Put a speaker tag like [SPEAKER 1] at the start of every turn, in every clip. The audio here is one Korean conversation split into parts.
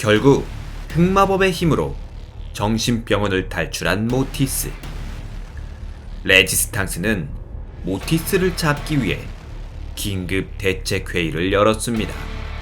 [SPEAKER 1] 결국 흑마법의 힘으로 정신병원을 탈출한 모티스. 레지스탕스는 모티스를 잡기 위해 긴급 대책회의를 열었습니다.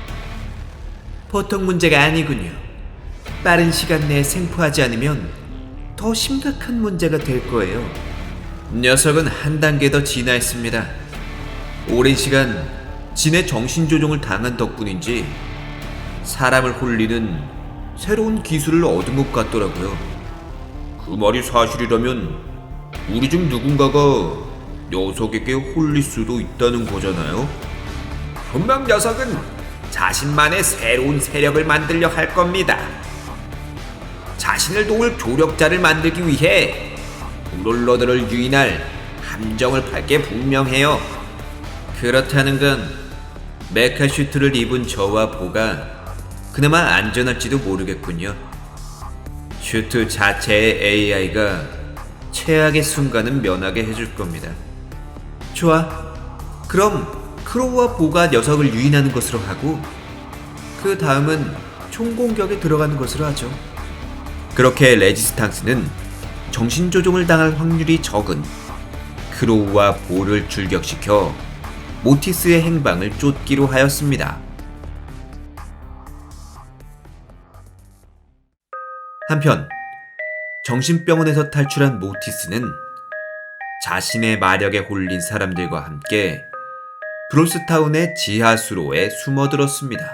[SPEAKER 1] 보통 문제가 아니군요. 빠른 시간 내에 생포하지 않으면 더 심각한 문제가 될 거예요. 녀석은 한 단계 더 진화했습니다. 오랜 시간 진의 정신조종을 당한 덕분인지 사람을 홀리는 새로운 기술을 얻은 것 같더라고요. 그 말이 사실이라면 우리 중 누군가가 녀석에게 홀릴 수도 있다는 거잖아요. 분명 녀석은 자신만의 새로운 세력을 만들려 할 겁니다. 자신을 도울 조력자를 만들기 위해 브롤러들을 유인할 함정을 팔 게 분명해요. 그렇다는 건 메카 슈트를 입은 저와 보가 그나마 안전할지도 모르겠군요. 슈트 자체의 AI가 최악의 순간은 면하게 해줄 겁니다. 좋아. 그럼 크로우와 보가 녀석을 유인하는 것으로 하고 그 다음은 총공격에 들어가는 것으로 하죠. 그렇게 레지스탕스는 정신조종을 당할 확률이 적은 크로우와 보를 출격시켜 모티스의 행방을 쫓기로 하였습니다. 한편 정신병원에서 탈출한 모티스는 자신의 마력에 홀린 사람들과 함께 브로스타운의 지하수로에 숨어들었습니다.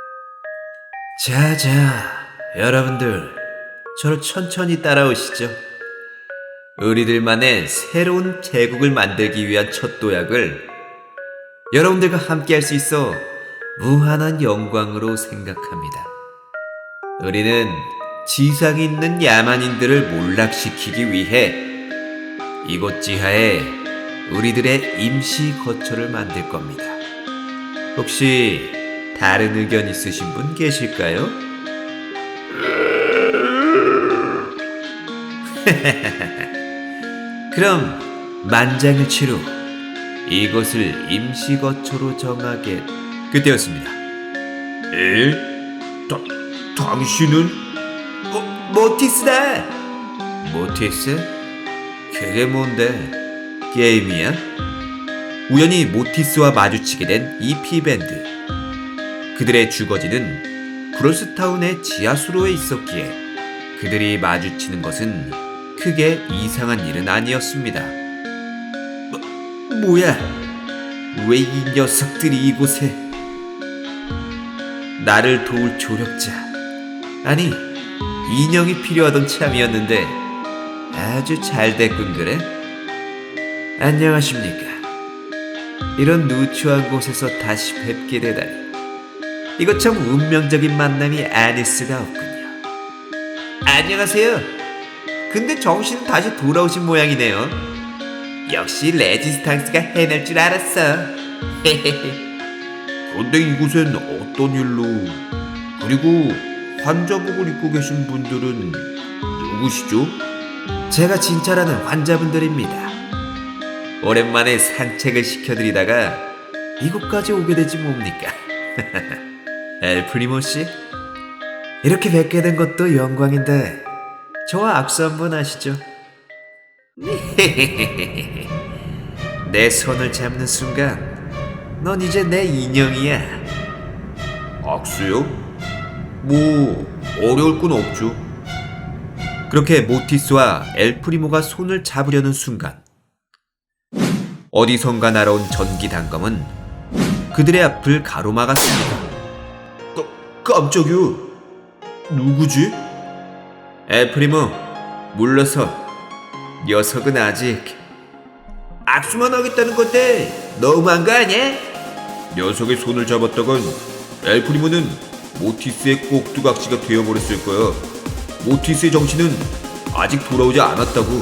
[SPEAKER 1] 자자, 여러분들 저를 천천히 따라오시죠. 우리들만의 새로운 제국을 만들기 위한 첫 도약을 여러분들과 함께 할 수 있어 무한한 영광으로 생각합니다. 우리는 지상에 있는 야만인들을 몰락시키기 위해 이곳 지하에 우리들의 임시 거처를 만들 겁니다. 혹시 다른 의견 있으신 분 계실까요? 그럼 만장일치로 이곳을 임시 거처로 정하게. 그때였습니다. 당신은? 모티스다! 모티스? 그게 뭔데? 게임이야? 우연히 모티스와 마주치게 된 이 피밴드. 그들의 주거지는 브롤스타운의 지하수로에 있었기에 그들이 마주치는 것은 크게 이상한 일은 아니었습니다. 뭐야? 왜 이 녀석들이 이곳에? 나를 도울 조력자, 아니 인형이 필요하던 참이었는데 아주 잘 됐군. 그래? 안녕하십니까. 이런 누추한 곳에서 다시 뵙게 되다니 이거 참 운명적인 만남이 아닐 수가 없군요. 안녕하세요. 근데 정신은 다시 돌아오신 모양이네요. 역시 레지스탕스가 해낼 줄 알았어. 그런데 이곳엔 어떤 일로, 그리고 환자복을 입고 계신 분들은 누구시죠? 제가 진찰하는 환자분들입니다. 오랜만에 산책을 시켜드리다가 이곳까지 오게 되지 뭡니까? 엘프리모 씨? 이렇게 뵙게 된 것도 영광인데 저와 악수 한번 하시죠. 내 손을 잡는 순간 넌 이제 내 인형이야. 악수요? 뭐 어려울 건 없죠. 그렇게 모티스와 엘프리모가 손을 잡으려는 순간 어디선가 날아온 전기 단검은 그들의 앞을 가로막았습니다. 깜짝이야. 누구지? 엘프리모, 물러서. 녀석은 아직 악수만 하겠다는 건데 너무한 거 아니야? 녀석의 손을 잡았다간 엘프리모는 모티스의 꼭두각시가 되어버렸을 거야. 모티스의 정신은 아직 돌아오지 않았다고.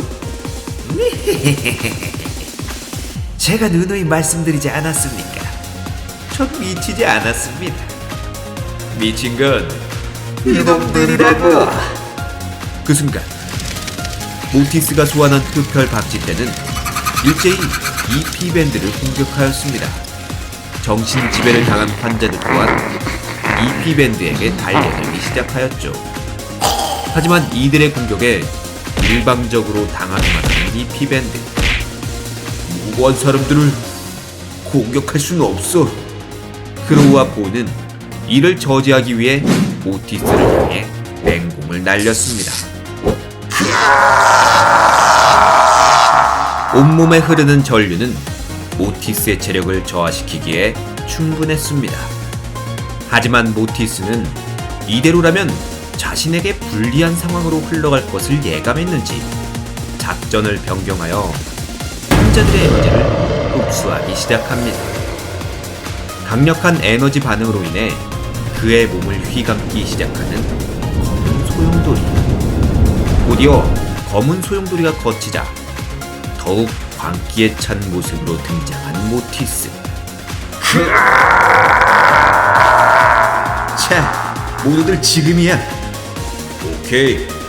[SPEAKER 1] 제가 누누이 말씀드리지 않았습니까? 전 미치지 않았습니다. 미친 건 이놈들이라고. 그 순간 모티스가 소환한 흡혈 박쥐떼는 일제히 이 피밴드를 공격하였습니다. 정신지배를 당한 환자들 또한 이피밴드에게 달려들기 시작하였죠. 하지만 이들의 공격에 일방적으로 당하기만 하는 이피밴드. 무고한 사람들을 공격할 수는 없어. 크로우와 보는 이를 저지하기 위해 오티스를 향해 맹공을 날렸습니다. 온몸에 흐르는 전류는 모티스의 체력을 저하시키기에 충분했습니다. 하지만 모티스는 이대로라면 자신에게 불리한 상황으로 흘러갈 것을 예감했는지 작전을 변경하여 hun자들의 에너지를 흡수하기 시작합니다. 강력한 에너지 반응으로 인해 그의 몸을 휘감기 시작하는 검은 소용돌이. 곧이어 검은 소용돌이가 거치자 더욱 광기에 찬 모습으로 등장한 모티스. 자, 모두들 지금이야. 오케이,